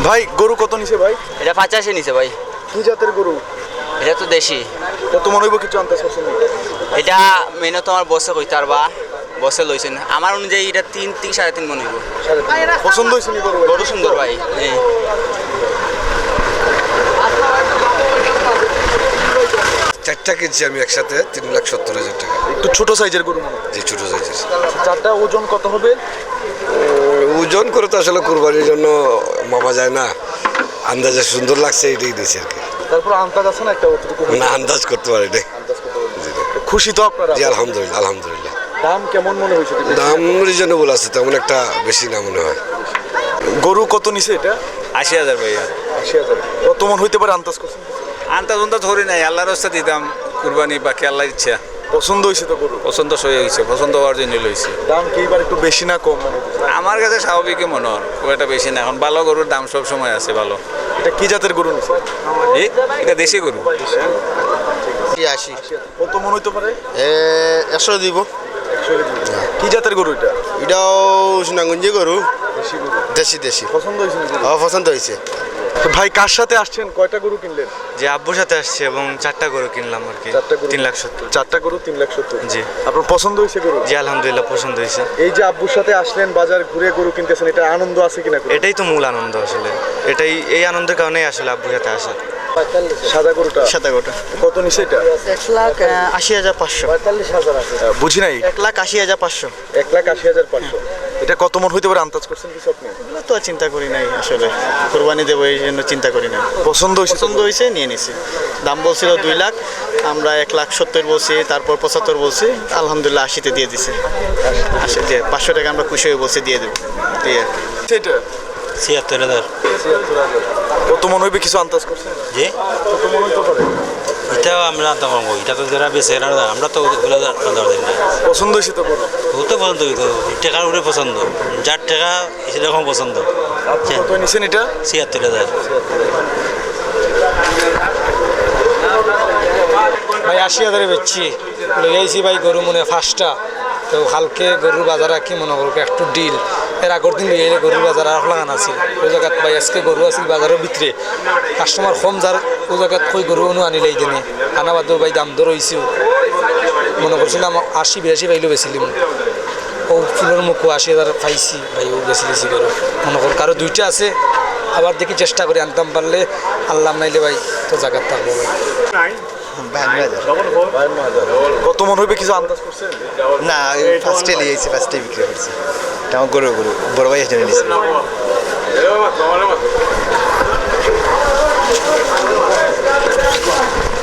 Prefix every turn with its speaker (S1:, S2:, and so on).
S1: ভাই গরু কত নিছে ভাই?
S2: এটা 85 নিছে ভাই।
S1: কি জাতের গরু?
S2: এটা তো দেশি।
S1: কত মনে হইব কিছু আন্দাজ করছেন?
S2: এটা মেনে তো আমার বসে কইতে পারবা, বসে লইছেন আমার অনুযায়ী এটা 3 থেকে 3.5 মনে হইব।
S1: পছন্দ হয়েছে নি গরু?
S2: গরু সুন্দর ভাই।
S3: চারটা কিনছি আমি একসাথে 3,70,000 টাকা।
S1: একটু ছোট সাইজের গরু মনে হয়।
S3: যে ছোট সাইজের
S1: চারটা ওজন কত হবে?
S3: ওজন করে তো আসলে কুরবানির জন্য মাপা যায় না, আন্দাজে সুন্দর লাগছে এটাই দিয়েছি আর কি।
S1: তারপর আন্দাজ আছে না একটা অতটুকু?
S3: না, আন্দাজ করতে পারি নাই।
S1: খুশি তো আপনারা?
S3: জি আলহামদুলিল্লাহ, আলহামদুলিল্লাহ।
S1: দাম কেমন মনে হয়েছে?
S3: দাম রিজনেবল আছে, তেমন একটা বেশি না মনে হয়।
S1: গরু কত নিছে এটা?
S4: 80,000 ভাইয়া।
S1: 80,000। কত মন হইতে পারে আন্দাজ করছেন?
S4: আন্তাজ ধরি নাই, আল্লাহর রাস্তা দিতাম কুরবানি, বাকি আল্লাহর ইচ্ছা।
S1: পছন্দ হয়েছে তো গরু?
S4: পছন্দ হয়ে গেছে, পছন্দ হওয়ার জন্য লইছে।
S1: দাম কি এবার একটু বেশি না কম মনে হচ্ছে?
S4: আমার কাছে স্বাভাবিকই মনে হয়, খুব একটা বেশি না। এখন ভালো গরুর দাম সব সময় আছে ভালো।
S1: এটা কি জাতের গরু নিছে?
S4: এটা দেশি গরু।
S5: 80।
S1: কত মন হইতে পারে?
S5: 100 দিব।
S1: কি জাতের গরু এটা?
S5: এটাও সুনাগঞ্জি গরু,
S1: দেশি গরু।
S5: দেশি দেশি।
S1: পছন্দ হয়েছে না গরু?
S5: পছন্দ হয়েছে।
S1: তো ভাই কার সাথে আসছেন? কয়টা গরু কিনলেন?
S6: যে আব্বুর সাথে আসছে এবং 4টা গরু কিনলাম আর কি।
S1: 4টা গরু?
S6: 3,70,000।
S1: 4টা গরু 3,70,000।
S6: জি।
S1: আপনার পছন্দ হয়েছে গরু?
S6: জি আলহামদুলিল্লাহ পছন্দ হয়েছে।
S1: এই যে আব্বুর সাথে আসলেন, বাজার ঘুরে গরু কিনতেছেন, এটা আনন্দ আছে কিনা?
S6: এটাই তো মূল আনন্দ আসলে, এই আনন্দের কারণেই আসলে আব্বুর সাথে আসা।
S1: সাদা গরুটা?
S6: সাদা গরুটা
S1: কত নিছে এটা?
S6: 1,80,500।
S1: বুঝি নাই।
S6: 1,80,500।
S1: 1,80,500। এটা কত মন হইতে পারে আন্দাজ করছেন কিছু আপনি?
S6: এগুলো তো আর চিন্তা করি নাই আসলে, কোরবানি দেবো এই জন্য চিন্তা করি না।
S1: পছন্দ হয়েছে?
S6: পছন্দ হয়েছে নিয়ে নিছি। দাম বলছিল 2 লাখ, আমরা 1,70,000 বলছি, তারপর 75 বলছি, আলহামদুলিল্লাহ 80-তে দিয়ে দিছে। 80 দিয়ে 500 টাকা আমরা খুশি হয়ে বলছি দিয়ে দেবো। দিয়ে
S1: সেটা
S6: 76,000।
S1: কত মন হইবে কিছু আন্দাজ করছেন?
S6: জি
S1: কত মন হইতে পারে?
S6: এটাও আমরা তো পাবো, এটা তো যারা বেশি আমরা তো দিই না।
S1: পছন্দ হয়েছে তো গরু?
S6: ও তো পছন্দ টাকার উপরে পছন্দ, যার টাকা সেরকম পছন্দ।
S1: কত নিছেন এটা?
S6: 76,000।
S7: ভাই 80,000 বেচছি, লইয়াইছি ভাই গরু মনে 5টা। তো কালকে গরুর বাজার কি মনে করবো একটু ডিল, এর আগের দিন লইয়াইলে গরুর বাজার আর লাগান আছিল ওই জায়গাত ভাই, আজকে গরু আছিল বাজারের ভিতরে, কাস্টমার কম যার ওই জায়গাত কই গরু অনু আনিলে এই দিনে আনা বাদ ভাই দাম দর হয়েছিল। মনে করছিলাম 80-82 পাইলেও বেছিলাম, ও ফুলের মুখও 80,000 পাইছি ভাই, ও বেশি বেশি গরু মনে কর। কারো 2টা আছে, আবার দেখি চেষ্টা করি আনতাম পারলে, আল্লাহ নাইলে ভাই তো জায়গার থাকবো ভাই।
S5: 52,000।
S1: কত মন হইবে কিছু আন্দাজ করছেন?
S5: না, ফার্স্টে লিয়েছি, ফার্স্টে বিক্রি করছি। এটা আমার গরু বড় ভাই এসে নিয়েছি।